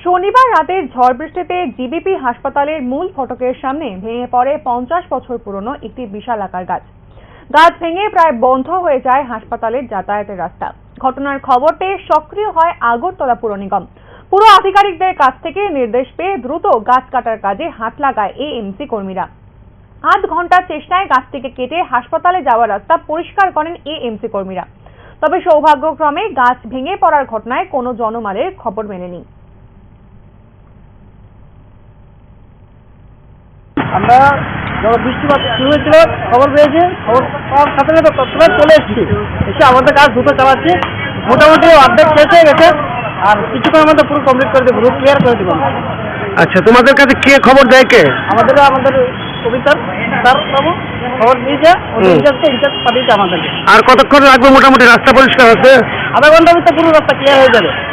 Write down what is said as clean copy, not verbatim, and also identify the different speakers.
Speaker 1: শনিবার রাতের ঝড় বৃষ্টিতে জিবিপি হাসপাতালের মূল ফটকের সামনে ভেঙে পড়ে 50 বছর পুরনো একটি বিশালাকার গাছ। গাছ ভেঙে প্রায় বন্ধ হয়ে যায় হাসপাতালের যাতায়াতের রাস্তা। ঘটনার খবর পেয়ে সক্রিয় হয় আগরতলা পুর নিগম। পুর আধিকারিকদের কাছ থেকে নির্দেশ পেয়ে দ্রুত গাছ কাটার কাজে হাত লাগায় এএমসি কর্মীরা। আধ ঘন্টার চেষ্টায় গাছটিকে কেটে হাসপাতালে যাওয়ার রাস্তা পরিষ্কার করেন এএমসি কর্মীরা। তবে সৌভাগ্যক্রমে গাছ ভেঙে পড়ার ঘটনায় কোনো জনমালের খবর মেলেনি।
Speaker 2: আমরা যখন বৃষ্টিপাত শুরু হয়েছিল খবর পেয়েছি, খবর পাওয়ার সাথে সাথে তৎক্ষণাৎ চলে এসে আমাদের কাজ দ্রুত চালাচ্ছি। মোটামুটি অর্ধেক শেষ হয়ে গেছে, আর কিছুক্ষণ আমাদের পুরো কমপ্লিট করে দেবো, রুট ক্লিয়ার করে দেবো।
Speaker 3: আচ্ছা, তোমাদের কাছে কে খবর দেয়? কে?
Speaker 2: আমাদের অফিসার স্যার বাবু খবর দিয়েছে, ইনচার্জ পাঠিয়েছে আমাদেরকে।
Speaker 3: আর কতক্ষণ লাগবে মোটামুটি রাস্তা পরিষ্কার হতে?
Speaker 2: আধা ঘন্টার ভিতরে পুরো রাস্তা ক্লিয়ার হয়ে যাবে।